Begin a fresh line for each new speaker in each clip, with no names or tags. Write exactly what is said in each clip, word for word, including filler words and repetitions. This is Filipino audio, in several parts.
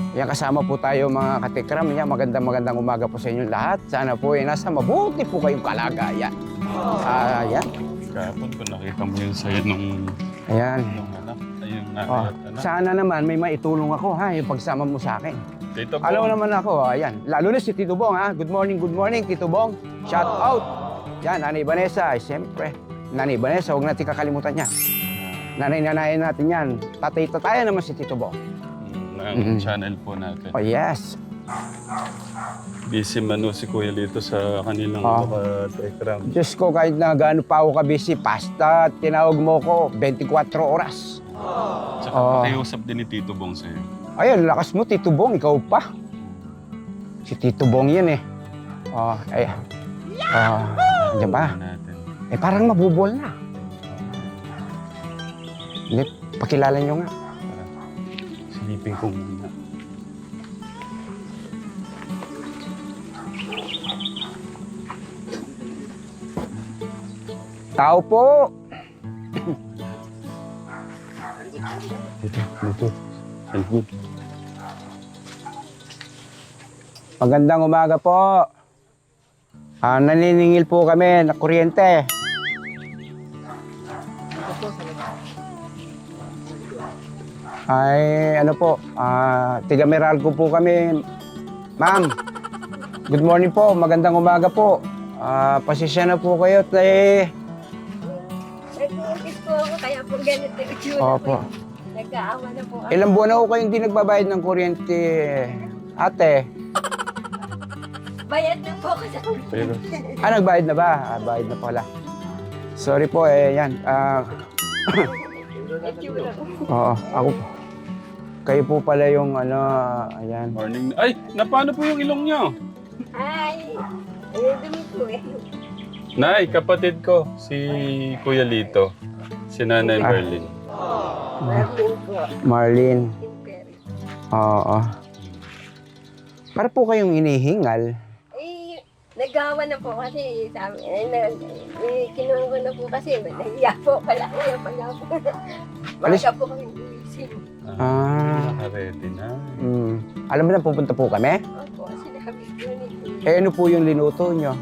Yan, kasama po tayo mga katikram. Yan, magandang magandang umaga po sa inyong lahat. Sana po ay nasa mabuti po kayong kalagayan. Ah, yan.
Kahapon ko nakita mo yung sayo nung,
Ayan.
nung anak. Ayun na,
Oh,
anak.
sana naman may maitulong ako ha, yung pagsama mo sa akin.
Tito
Alam mo
Bong.
naman ako, ayan. Lalo na si Tito Bong ha. Good morning, good morning, Tito Bong. Shout out. Yan, Nanay Vanessa, ay siyempre. Nanay Vanessa, huwag natin kakalimutan niya. Nanay-nanayan natin yan. Tatay-tatayan naman si Tito Bong.
Ng
Mhm.
channel po natin.
Oh, yes.
Busy man o si Kuya Lito sa kanilang
Ah.
mga tekram.
Diyos ko, kahit na gaano pa ako kabisi, basta tinawag mo ko, twenty-four oras.
Tsaka
Ah.
pakiusap din ni Tito Bong sa'yo.
Ayun, lakas mo, Tito Bong, ikaw pa. Si Tito Bong yun eh. Oh, ay. Ah, di ba?
Natin.
Eh, parang mabubol na. Hindi, pakilala nyo nga.
Silipin ko muna.
Tao po.
Dito, dito. Good.
Magandang umaga po. Ah, naniningil po kami na kuryente. Ay, ano po, ah, tiga Meralco po kami. Ma'am, good morning po, magandang umaga po. Ah, pasensya na po kayo, te.
Nag-uupis po ako, kaya po ganito yung itsura
Opo.
ko. Nag-aawa na po ako.
Ilang buwan na ako kayong hindi nagbabayad ng kuryente, ate.
Bayad na po ako sa
Pero,
Ah, nagbayad na ba? Ah, bayad na pala. Sorry po, eh, yan. Ah,
itsura ko.
oo, ako po. Kayo po pala yung ano, ayan.
morning. Ay, napano po yung ilong niyo?
Ay, eh, dumi po eh.
Nay, kapatid ko, si Kuya Lito. Si Nanay
Ah.
Merlin.
Marlin po.
Marlene.
Imperi.
Oo. Para po kayong inihingal.
Eh, nag-aawa na po kasi sabi, eh, nag, eh, kinuha ko na po kasi, nahiya po pala ko yung pala po.
Alis-
Maga po kami gumising.
Ah.
Naka-ready na.
Mm. Alam mo na, pupunta po kami?
Opo, sinabi ko ni
Eh, ano po yung linuto nyo?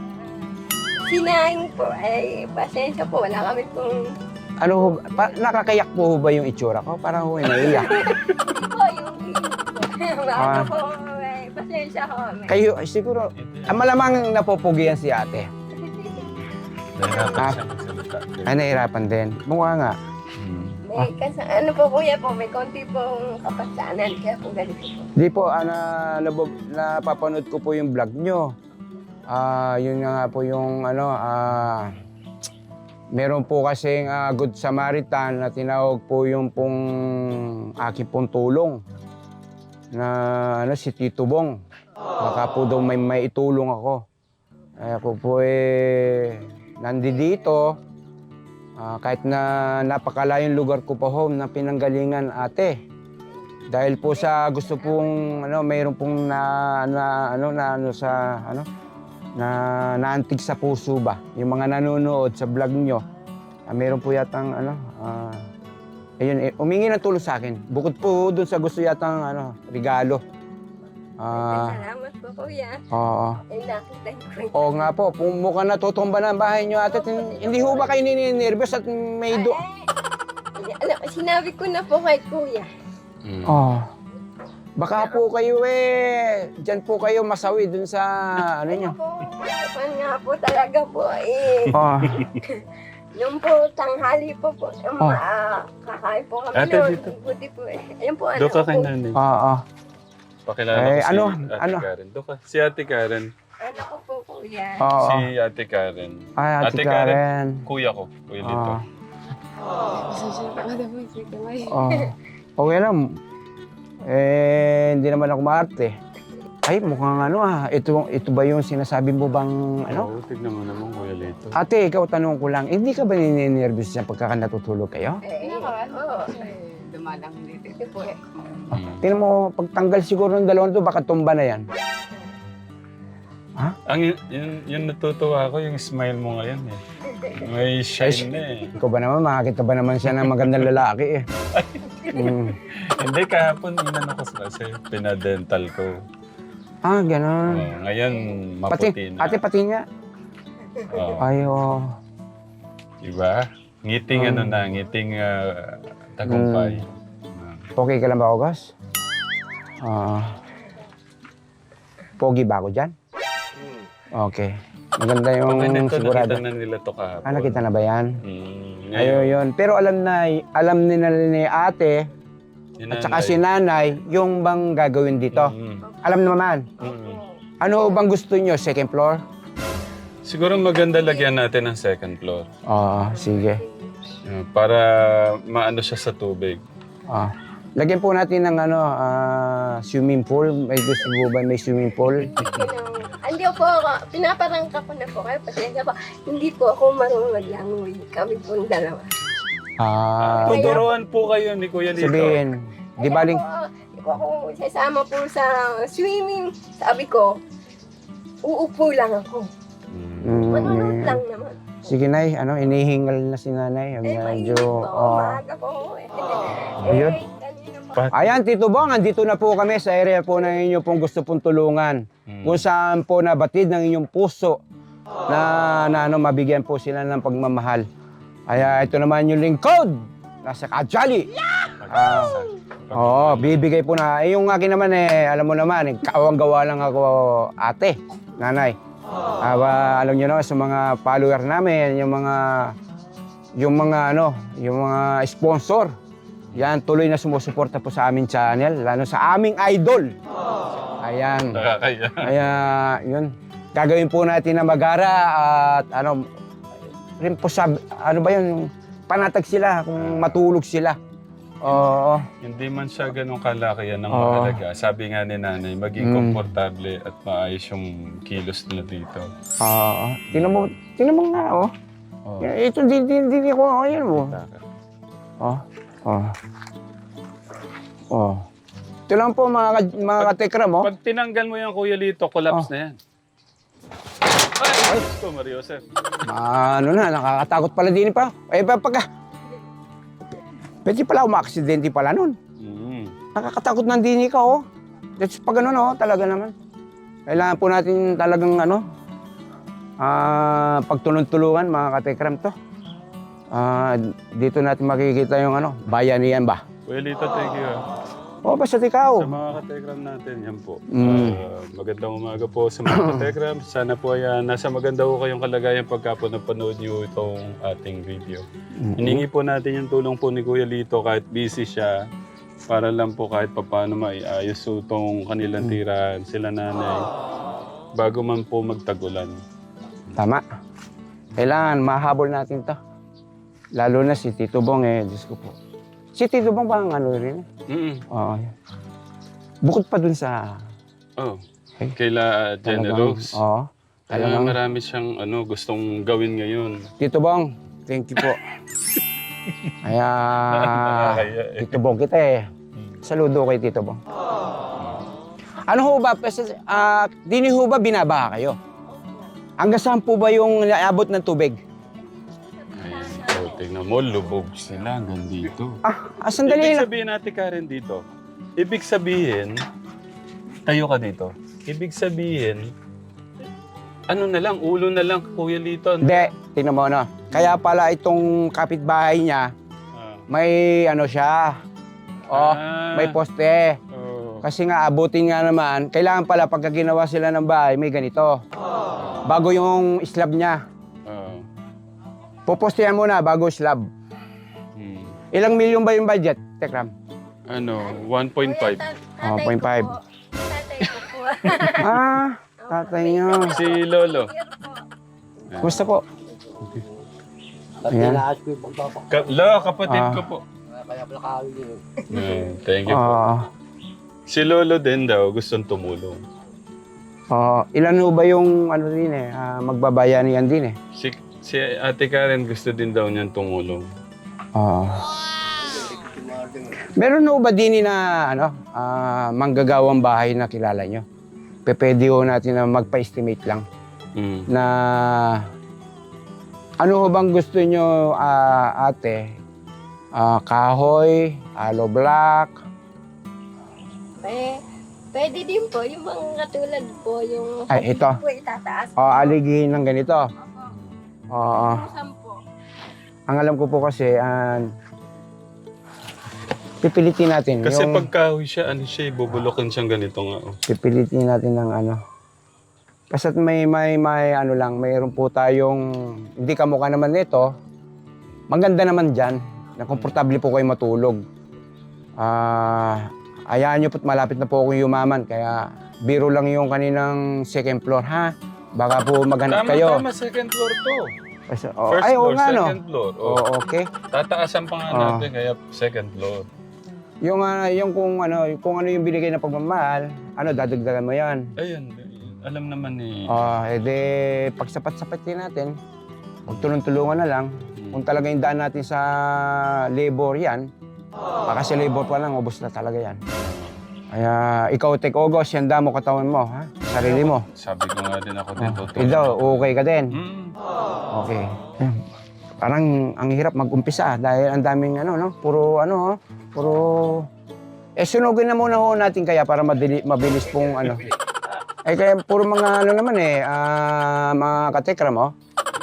Sinaing po, ay pasensya po, wala kami pong
Ano, ho ba- pa, nakakayak po ho ba yung itsura ko? Parang ho, naiyak.
po yung po.
Ah.
Ano po, ay pasensya ko. May-
Kayo, ay, siguro, ah, malamang napupugian si ate.
Nahirapan
Ah.
siya magsalita.
Ay, nahirapan din. Mukha nga.
Hmm.
May kasi, ano po kuya po, may konti pong kapasanan, kaya po ganito po.
Di po, ana, nabab- napapanood ko po yung vlog nyo. Ah, yun nga po yung ano, ah, meron po kasing ah, Good Samaritan na tinawag po yung pong aking pong tulong na ano, si Tito Bong. Baka po daw may, may itulong ako. Ay ako po eh, nandito. Ah, kahit na napakalayong lugar ko po home na pinanggalingan ate. Dahil po sa gusto pong ano, mayroon pong na, na ano na ano sa ano na naantig sa puso ba yung mga nanonood sa vlog nyo. Ah, mayroon po yatang ano ah, ayun eh, umingi ng tulong sa akin. Bukod po doon sa gusto yatang ano regalo. Ah,
Salamat po kuya.
oo.
Ay nakita niyo po.
Oo nga po, kung mukhang natutumba na ang bahay nyo ate, tin- hindi ho ba kayo nininervyos at may do...
Ay, alam, sinabi ko na po kay kuya.
Hmm.
Oh. Baka po kayo eh, dyan po kayo masawi dun sa ano nyo.
Po, pan nga po talaga po eh.
Oh.
Nung po tanghali po po, um,
Oh.
ah, kakain po kami
Ate,
noon.
dito.
Buti po eh. Ayun po, ano
Doon ka kay
po,
Nanay.
Oo.
Pakilala
Eh,
ko si
ano,
Ate
ano?
Karen. Doon ka. Si Ate Karen.
ano ko po kuya.
Oo.
Si Ate Karen.
Ay, Ate
Ate
Karen.
Kuya ko. Kuya Lito.
Oo. Oh. Okay lang. Eh, hindi naman ako maarte. Ay, mukhang ano ah. Ito, ito ba yung sinasabi mo bang ano?
Oo, tignan mo naman Kuya Lito.
Ate, ikaw tanong ko lang, hindi ka ba nininervyos niya pagka natutulog kayo?
Eh, oo.
Dumalang dito.
Ito po eh.
Hmm.
Tingnan mo, pagtanggal siguro ng dalawang to, baka tumba na yan.
Ang yun, yun, yung natutuwa ko, yung smile mo ngayon eh. May shine na eh.
Ikaw ba naman, makakita ba naman siya ng magandang lalaki eh? Mm.
Hindi, kahapon inano ko kasi pinadental ko.
Ah, gano'n.
Oh, ngayon,
Pati,
maputi na.
ate, pati nga.
Oh,
Ay, oh.
diba? Ngiting
Mm.
ano na, ngiting ah, tagumpay. Ah.
Okay ka lang ba, August? Ah. Pogi ba ako dyan? Okay. Maganda yung
Okay, nito,
sigurado.
nakita na nila to kahapon.
Ah, nakita na ba yan?
Mm,
Ayun, yun. Pero alam na, alam nila ni ate at saka si nanay yung bang gagawin dito.
Mm,
Alam naman.
mm.
Ano bang gusto nyo? Second floor?
Siguro maganda lagyan natin ng second floor.
Oo, sige.
Ah, para maano siya sa tubig.
Ah. Lagyan po natin ng ano, ah, swimming pool. May gusto mo ba may swimming pool?
Hindi po ako, pinaparangka ko na po kayo. Pasensya po, hindi po ako marunong mag-langoy. Kami po ang dalawa.
Ah,
Tuturuan po kayo ni Kuya Lito.
sabihin, di baling,
Kaya po, Hindi po ako sasama po sa swimming. Sabi ko, uupo lang ako.
Mm.
Manonood
mm,
lang naman.
sige nay, ano, inihingal na si nanay.
Eh, mainit
Medyo,
po.
oh.
Maaga po. Eh,
Ayun.
kanina po.
Pat-
Ayan, Tito Bong, andito na po kami sa area po na inyo pong gusto pong tulungan.
Mm.
Kung saan po nabatid ng inyong puso na, na ano, mabigyan po sila ng pagmamahal. Kaya ito naman yung lingkod. Nasa Kajali. Ah, Oo, bibigay po na. Eh, yung akin naman eh, alam mo naman, eh, kawang-gawa lang ako, ate, nanay. Ah, ba, alam niyo naman sa mga follower namin, yung mga, yung mga ano, yung mga sponsor. Yan, tuloy na sumusuporta po sa aming channel, lalo sa aming idol. Ayan.
Nakakaya.
Kaya, yun. Gagawin po natin na magara at ano, rin po sa, ano ba yun, yung panatag sila, kung matulog sila. Oo.
Hindi man siya ganun kalaki yan ang
Oo.
mahalaga. Sabi nga ni nanay, maging
Mm.
komportable at maayos yung kilos nila dito.
Oo. Tingnan mo, tingnan mo nga, oh.
Oh.
Ito, di, di, di, di ko, oh, yan mo.
Taka.
Oh, oh. Oh. Ito lang po mga, ka- mga katekram, oh.
Pag tinanggal mo yan, Kuya Lito, collapse
Oh.
na yan. Ay! Ito, Mario Joseph.
Ano na, nakakatakot pala din pa. Eh, pa- pagka... Pwede pala umaksidente pala nun.
Mm.
Nakakatakot ng dini ka, oh. That's pag ano, no, talaga naman. Kailangan po natin talagang, ano, ah, pagtulong-tulungan, mga katekram to. Ah, dito natin makikita yung, ano, bayanihan ba?
Kuya Lito, thank you. ah.
Oh, basta ikaw.
Sa mga katekram natin, yan po.
Mm.
Ah, magandang umaga po sa mga katekram. Sana po ay ah, nasa maganda po kayong kalagayan pagka po napanood niyo itong ating video. Hiningi po natin yung tulong po ni Kuya Lito kahit busy siya para lang po kahit papaano maiayos po itong kanilang tirahan, sila nanay, bago man po magtagulan.
Tama. Kailangan mahabol natin to. Lalo na si Tito Bong, eh, Diyos ko po. Si Tito Bong bang ano rin?
Mm.
Oo. yan. Bukod pa dun sa...
Oh,
Ay,
kaila Jenny
talagang-
Rose.
Oo.
Kaya
Talagang,
marami siyang ano, gustong gawin ngayon.
Tito Bong, thank you po. Kaya...
Nakakaya eh.
Tito Bong kita eh. Saludo kay Tito Bong. Ano ho ba? Pes- ah, dini ho ba binabaha kayo? Hanggang saan po ba yung naabot ng tubig?
Ay, oh, tingnan mo, lubog sila hanggang dito.
Ah, ah sandali
Ibig
lang.
sabihin natin, Karen, dito. Ibig sabihin, tayo ka dito. Ibig sabihin, ano na lang, ulo na lang, Kuya Lito.
Hindi, tingnan mo ano. Kaya pala itong kapitbahay niya,
Ah.
may ano siya. Oh,
Ah.
may poste.
Oh.
Kasi nga abutin nga naman, kailangan pala pagka ginawa sila ng bahay, may ganito. Bago yung slab niya.
Oh.
Pupostehan muna bago slab.
Hmm.
Ilang milyon ba yung budget, Tekram?
Ano, one point five.
Oh, point five.
Tatay ko po.
Ah, tatay niyo.
Si Lolo.
Kumusta po? Ayan.
Ka- Lo, kapatid
Ah.
ko po.
Kaya pala kawin yun.
Hmm, thank you po.
Ah,
Si Lolo din daw, gustong tumulong.
ah, ilan ho ba yung ano din eh, ah, magbabayanihan din eh?
Si, si Ate Karen gusto din daw niyan tumulong.
Ah. Meron ho ba din na ano, ah, manggagawang bahay na kilala nyo? Pwede ho natin na magpa-estimate lang
Hmm.
na ano ho bang gusto nyo, ah, ate, ah, kahoy, aloe block.
Eh, pwede din po, yung mga katulad po, yung
Ay, ito.
po itataas.
O aligihin ng ganito.
Opo.
Oo.
Sampo.
Ang alam ko po kasi, ah, pipilitin natin.
Kasi
yung,
pag kahoy siya, ano siya, bubulokin siyang ganito nga. Oh.
Pipilitin natin ng ano. Basta't may, may, may ano lang, mayroon po tayong, hindi kamukha naman nito, maganda naman dyan, na komportable po kayo matulog. Ah, ayaan nyo po't malapit na po ako yumaman, kaya biro lang yung kaninang second floor, ha? Baka po maghanap
Tama,
kayo.
tama, second floor to.
Kasi, oh,
First
ay, oo
floor,
nga, no?
second floor.
Oo,
Oh.
okay.
Tataasan pa nga
Oh.
natin, kaya second floor.
Yung, ah, yung kung ano, kung ano yung binigay na pagmamahal, ano, dadagdagan mo yan.
Ayun, alam naman ni...
Oh, edi, pag sapat-sapatin natin, magtulong-tulungan na lang.
Hmm.
Kung talaga yung daan natin sa labor yan, baka sa labor pa lang, ubos na talaga yan. Kaya ikaw, take August, yan mo katawan mo, ha? Sarili mo.
Sabi ko nga din ako din,
Oh,
tutulong.
ikaw, okay ka din.
Hmm.
Okay. Eh, Parang ang hirap mag-umpisa dahil ang daming ano, no? Puro ano, oh, puro... Eh, sunugin na muna ho natin kaya para madili, mabilis pong ano. Eh, kaya puro mga ano naman eh, ah, mga katekram, oh.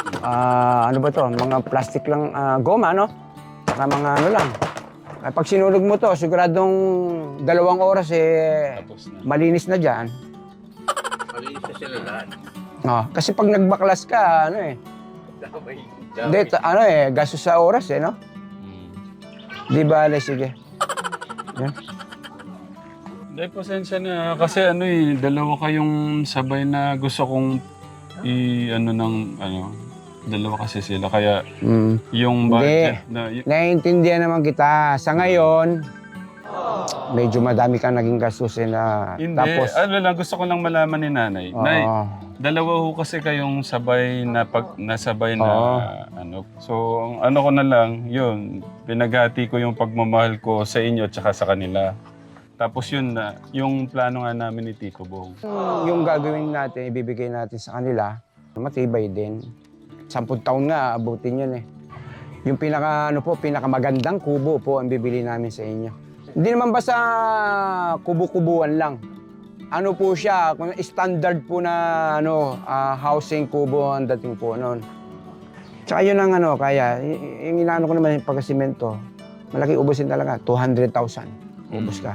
Ah, ano ba to? Mga plastic lang, ah, goma, no? Saka mga ano lang. Eh, pag sinunog mo to, siguradong dalawang oras eh,
Tapos na.
malinis na dyan.
Malinis na sila lahat.
Oh, kasi pag nagbaklas ka, ano eh,
Damay.
hindi, ta- ano eh, gastos sa oras eh, no?
Hmm.
Di ba, sige. Yan.
Hindi, pasensya na. Kasi ano eh, dalawa kayong sabay na gusto kong i, ano ng, ano, dalawa kasi sila. Kaya
Mm.
yung
Hindi.
budget na, y-
Naiintindihan naman kita. Sa ngayon, medyo madami kang naging gastusin na
hindi.
tapos...
ano lang, gusto ko lang malaman ni nanay.
Oo.
Nay, dalawa ho kasi kayong sabay na pag, nasabay na,
Oo.
ano. So, ang ano ko na lang, yun, pinaghati ko yung pagmamahal ko sa inyo at saka sa kanila. Tapos yun na, yung plano nga namin ni Tito Bong.
yung gagawin natin, ibibigay natin sa kanila, matibay din. Sampung taon nga, abutin yun eh. Yung pinaka, ano po, pinakamagandang kubo po ang bibili namin sa inyo. Hindi naman basta kubo-kubuan lang. Ano po siya, kung standard po na ano, ah, housing kubo ang dating po noon. Tsaka yun ang ano, kaya, y- y- yung inaano ko naman yung pagkasimento, malaki ubusin talaga, two hundred thousand. Ubus ka.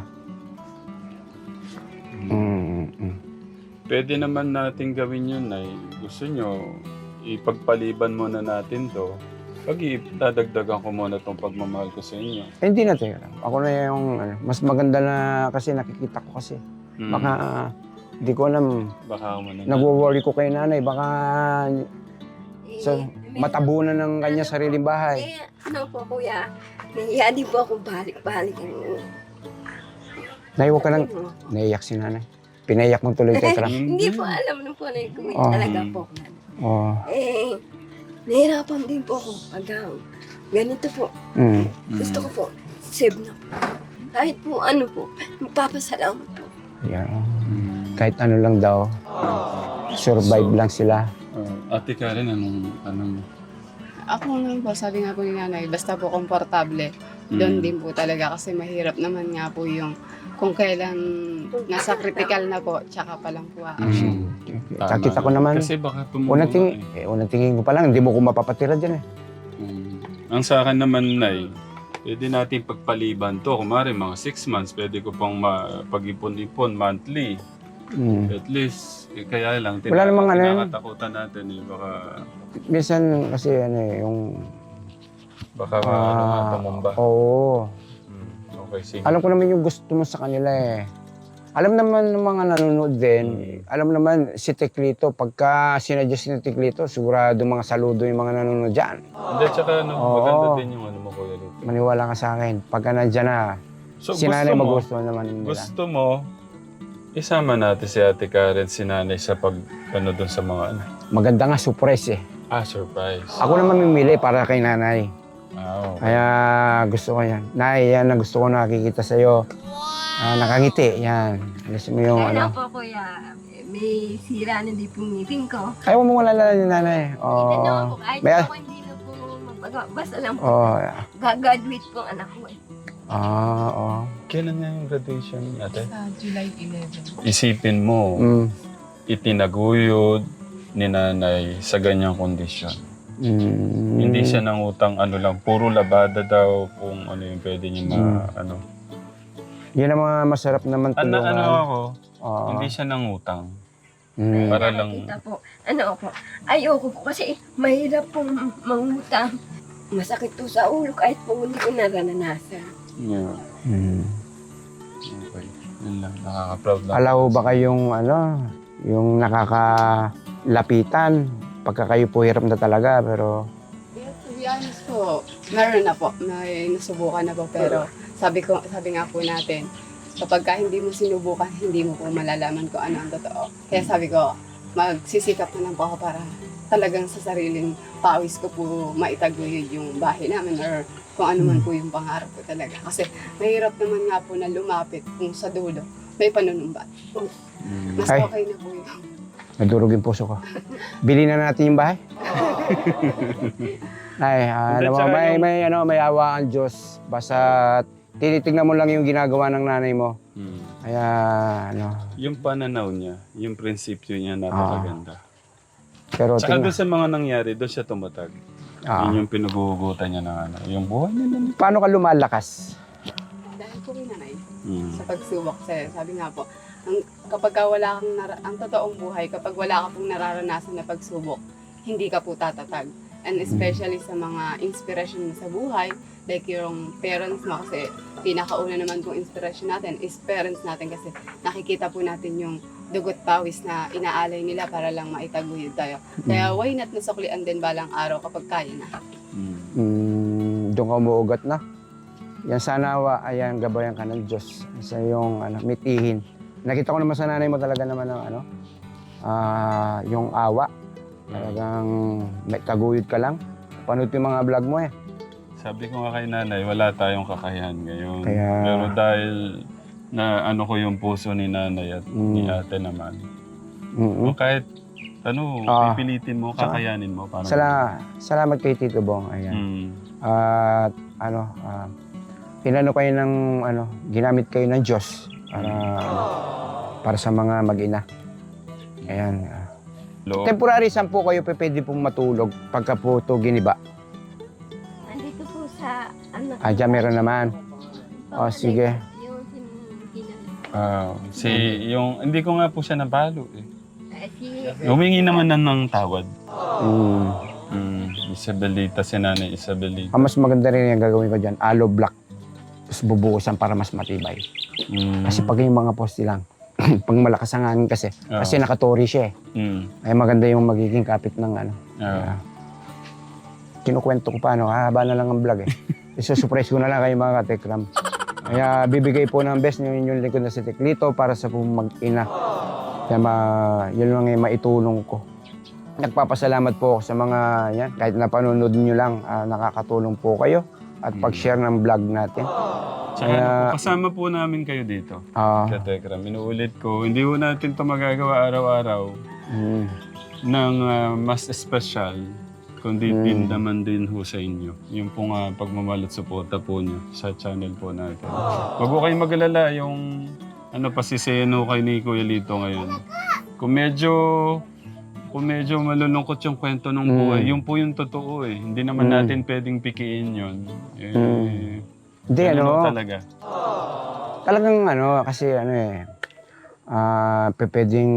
Mm, mm.
Pwede naman natin gawin yun, Nay. Gusto nyo, ipagpaliban muna natin to. Pag dadagdagan ko muna itong pagmamahal ko sa inyo.
Eh, hindi na tayo. Ako na yung, ano, mas maganda na kasi nakikita ko kasi.
Hmm.
Baka, ah, hindi ko alam,
Baka ako muna.
nagwo-worry ko kay nanay, baka
Eh,
so,
may-
matabunan ng kanya sariling bahay.
Eh, ano po kuya, nahiya din po akong balik-balik.
Nay, huwag ka nang, naiyak si nanay. Pinaiyak mo tuloy kay Tram.
Hindi po alam na po na yung kuya
Oh.
talaga po.
Oh,
Eh, nahirapan din po ako pag ah, ganito po.
mm.
Gusto ko po, save na po. Kahit po ano po, magpapasalamat po.
Yeah. Kahit ano lang daw, survive lang sila.
Uh, Ate Karen, anong, anong,
Ako naman po, sabi nga po ni nanay, basta po komportable. Doon
Mm.
din po talaga kasi mahirap naman nga po yung kung kailan nasa critical na po, tsaka pa lang po action.
Mm.
tama
Kakita ko
na.
naman.
Kasi baka tumulo
Unang tingin,
eh.
eh, unang tingin ko pa lang, hindi mo ko mapapatira dyan eh.
Mm. Ang sa akin naman, Nay, pwede natin pagpaliban to. Kumari, mga six months, pwede ko pang ma- pag-ipon-ipon monthly.
Mm.
At least, eh, kaya lang,
Wala
tina-
namang ano yun.
tinakatakutan natin eh. Baka,
Minsan kasi ano eh, yung...
baka ano nga,
ah,
tumumba.
Oo.
Mm. Okay, sige.
Alam ko naman yung gusto mo sa kanila eh. Alam naman ng mga nanonood din,
Mm.
alam naman si Teklito, pagka sinadjust ni Teklito, sigurado mga saludo yung mga nanonood dyan.
Hindi, tsaka ano,
Oo.
maganda din yung ano mo, Kuya Lito.
Maniwala ka sa akin, pagka nandyan na,
So,
si nanay
gusto mo,
magustuhan naman nila.
gusto mo, isama natin si Ate Karen, si nanay sa pag, ano dun sa mga, ano,
Maganda nga, surprise eh.
ah, surprise.
Ako naman mamimili para kay nanay.
Ah, okay.
Kaya gusto ko yan. Nay, yan ang gusto ko nakikita sa'yo. Ah, nakangiti, yan. Alis mo yung
Kaya
ano.
po kuya, may sira na din po ngipin ko.
Ayaw mo wala ni nanay.
Hindi na
Oo.
po, kahit
May-
ako hindi na po Mag- basta lang po,
Oh,
gagraduate po ang anak ko eh.
ah, oh.
Kailan nga yung graduation ate?
Sa July eleventh.
Isipin mo,
Mm.
itinaguyod ni nanay sa ganyang kondisyon.
Mm.
Hindi siya nangutang ano lang, puro labada daw kung ano yung pwede niya ma,
Mm.
ano.
Yan ang mga masarap naman
Ano,
tulungan.
ano ako,
Oo.
hindi siya nangutang.
Mm.
Para lang-
Nakakita po, ano po, ayoko po kasi mahirap pong mangutang. Masakit to sa ulo kahit po hindi ko naranasan.
Yeah.
Mm.
Okay. Yun lang, nakaka-proud lang.
Alaw ba kayong ano, yung nakakalapitan pagka kayo po hirap na talaga pero
Yeah, to be honest po, meron na po. May nasubukan na po. Pero sabi ko, sabi nga po natin, kapag ka hindi mo sinubukan, hindi mo po malalaman kung ano ang totoo. Kaya sabi ko, magsisikap na lang po ako para talagang sa sariling pawis ko po maitaguyod yung bahay namin or kung ano man po yung pangarap ko talaga. Kasi mahirap naman nga po na lumapit kung sa dulo may panunumbat.
Mm.
Mas
Ay.
okay na po yun.
nadurog yung puso ko. Bili na natin yung bahay. Ay, ah,
Hindi,
ano,
tsaka
may,
yung-
may, ano, may awa ang Diyos. Basta tinitignan mo lang yung ginagawa ng nanay mo.
Mm.
Kaya, ano,
Yung pananaw niya, yung prinsipyo niya napakaganda.
pero
Tsaka
tingnan.
doon sa mga nangyari, doon siya tumatag.
Ah,
Yun yung pinugugutan niya ng ano. Yung buhay niya na.
paano ka lumalakas?
Dahil po rin nanay,
Mm.
sa pagsubok sa'yo. Sabi nga po, ang, kapag ka wala kang, nara- ang totoong buhay, kapag wala ka pong nararanasan na pagsubok, hindi ka po tatatag. And especially sa mga inspiration mo sa buhay, like yung parents mo, kasi pinakauna naman pong inspiration natin is parents natin kasi nakikita po natin yung dugot pawis na inaalay nila para lang maitaguyod tayo. Kaya why not nasuklian din balang araw kapag kaya na.
Mm.
Mm, doon ka umuugat na. Yan sana, wa, ayan, gabayan ka ng Diyos sa yung ano, mitihin. Nakita ko naman sa nanay mo talaga naman ng ano, ah, yung awa. Talagang may taguyod ka lang. Panood yung mga vlog mo eh.
Sabi ko nga kay nanay, wala tayong kakayahan ngayon.
Kaya-
Pero dahil na ano ko yung puso ni nanay at ni
Mm.
ate naman.
Mm-mm.
O kahit ano,
Ah.
pipilitin mo,
Tsaka-
kakayanin mo. Parang,
Sala, salamat kay Tito Bong. Ayan.
Mm.
At ano, ah, inano kayo ng ano, ginamit kayo ng Diyos para ano, para sa mga mag-ina. Ayan. ah.
Loob.
Temporary saan po kayo pe- pwede pong matulog pagka po ito giniba?
Nandito po sa, ano,
Ah, dyan meron naman. Oh, sige.
Yung sin- sin-
Ah, si, yung, hindi ko nga po siya nabalo eh.
eh, si,
Humingi naman na ng tawad.
Mm.
Mm, Isabelita, si nanay Isabelita.
Ang mas maganda rin yung gagawin ko dyan, aloe black. Tapos bubuhusan para mas matibay.
Mm.
Kasi pag yung mga poste lang, pag malakas ang hangin kasi,
Ah.
kasi nakatori siya eh.
Mm.
Ay maganda yung magiging kapit ng ano.
Ah.
Kinukwento ko paano, haba na lang ang vlog eh. Isusurprise ko na lang kayo mga katekram. Kaya bibigay po ng best yung inyong likod na si Teklito para sa pong mag-ina. Kaya ma, yun lang yung maitulong ko. Nagpapasalamat po ako sa mga yan, kahit napanonood nyo lang, ah, nakakatulong po kayo at pag-share ng vlog natin.
Tsaka
Kaya-
kasama po namin kayo dito.
Ah,
Katekram, inuulit ko, hindi po natin ito magagawa araw-araw
mm,
ng ah, mas espesyal, kundi
Mm.
din naman din ho sa inyo. Yung pong uh, pagmamahal at suporta po niyo sa channel po natin. Huwag po kayong mag-alala yung ano pasiseno kay ni Kuya Lito ngayon. Kung medyo kung medyo malulungkot yung kwento ng
Mm.
buhay, yun po yung totoo eh. Hindi naman
Mm.
natin pwedeng pikiin yun. Eh,
Mm. Hindi
ganun
ano,
ho talaga.
talagang ano, kasi ano eh, ah, pe- pwedeng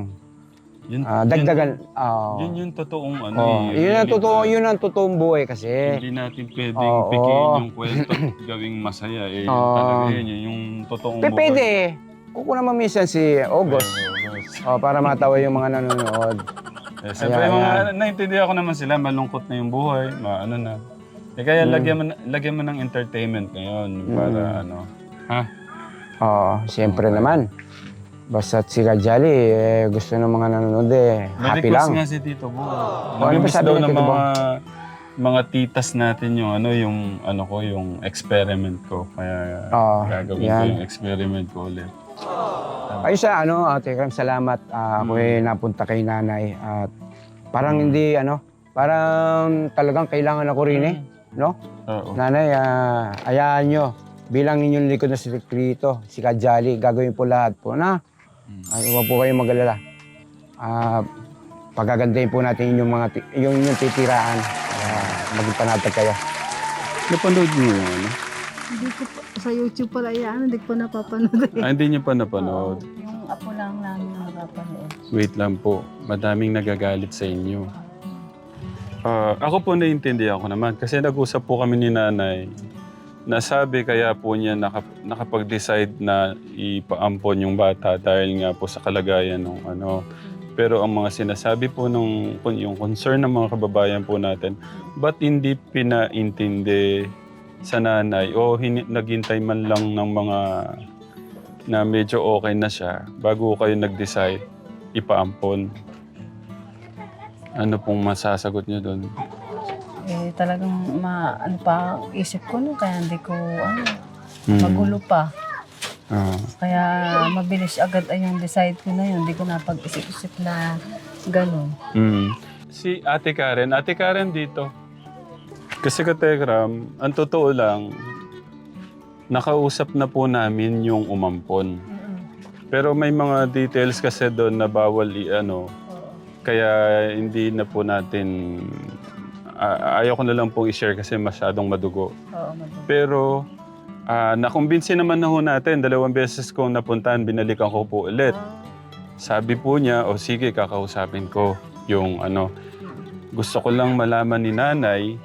Yun,
ah, dagdagan. ah,
Yun, yun yung totoong ano
oh,
eh.
yun ang
Really,
totoo,
ah,
yun ang totoong buhay kasi.
Hindi natin pwedeng
Oo.
pikiin yung kwento at gawing masaya. Eh, yun
Oo.
talaga yun, yun yung totoong
Pe, pwede. Kuko naman minsan si August oh, para matawa yung mga nanonood.
Eh, siyempre,
Ayan,
mga,
ayan.
naintindihan ko naman sila, malungkot na yung buhay, ma, ano na. Eh, kaya
Mm.
lagyan, mo, na- lagyan mo ng entertainment ngayon para ano. Ha?
Oo, siyempre naman. Basta si Kajali, eh, gusto ng mga nanonood eh, happy
Na-request
lang.
nga si Tito Bo.
ano ba
Nag-miss
sabi
daw
ni
ng
Tito Bo?
mga mga titas natin yung ano yung ano ko yung experiment ko kaya
Oo,
gagawin ko
yan.
yung experiment ko ulit.
Ayun sa ano, Ate Kram, salamat. Ah, ako
Mm.
eh napunta kay nanay at parang hindi ano, parang talagang kailangan ako rin eh. No?
Oo.
Nanay, ah, hayaan nyo. Bilang inyong likod na sekreto, si Kajali, gagawin po lahat po na. Ay, huwag po kayong mag-alala. Ah, pagagandahin po natin yung mga ti- yung inyong titiraan. Uh, maging panatag kayo.
Napanood niyo yung ano?
Hindi ko pa, sa YouTube pala yan, hindi ko napapanood. eh.
Ah, hindi niyo pa napanood.
Yung apo lang namin ang napapanood.
Wait lang po. Madaming nagagalit sa inyo. Ah, ako po naiintindihan ko naman kasi nag-usap po kami ni nanay. Nasabi kaya po niya nakap- nakapag-decide na ipaampon yung bata dahil nga po sa kalagayan ng ano. Pero ang mga sinasabi po nung yung concern ng mga kababayan po natin, ba't hindi pinaintindi sa nanay o hin- naghintay man lang ng mga na medyo okay na siya bago kayo nag-decide ipaampon? Ano pong masasagot niyo doon?
Eh, talagang ma, ano pa, isip ko no, kaya hindi ko, ano,
Hmm.
magulo pa.
Ah.
Kaya mabilis agad ay yung decide ko na yun. Hindi ko napag-isip-isip na ganun.
Mm. Si Ate Karen, Ate Karen dito. Kasi kategram, ang totoo lang, nakausap na po namin yung umampon. Pero may mga details kasi doon na bawal i-ano, kaya hindi na po natin, a- ayaw ko na lang pong i-share kasi masyadong madugo.
Oo, madulo.
Pero ah, nakumbinsi naman na ho natin, dalawang beses kong napuntahan, binalikan ko po ulit. Sabi po niya, o sige, kakausapin ko yung ano. Gusto ko lang malaman ni nanay,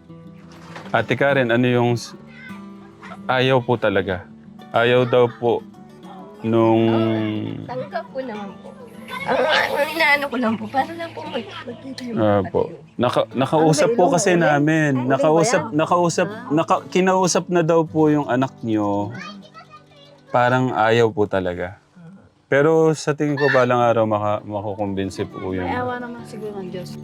Ate Karen, ano yung s- ayaw po talaga. Ayaw daw po nung...
Tanggap ko naman po. Ang, ang inaano ko lang po, para lang po mag- magkita yung
Ah,
kapatid
po.
ko.
Naka, nakausap po kasi namin.
Ay,
Nakausap,
ulit ba
nakausap, naka, kinausap na daw po yung anak niyo. Parang ayaw po talaga. Pero sa tingin ko balang araw maka, makukumbinsi po yun.
May awa naman siguro ng Diyos.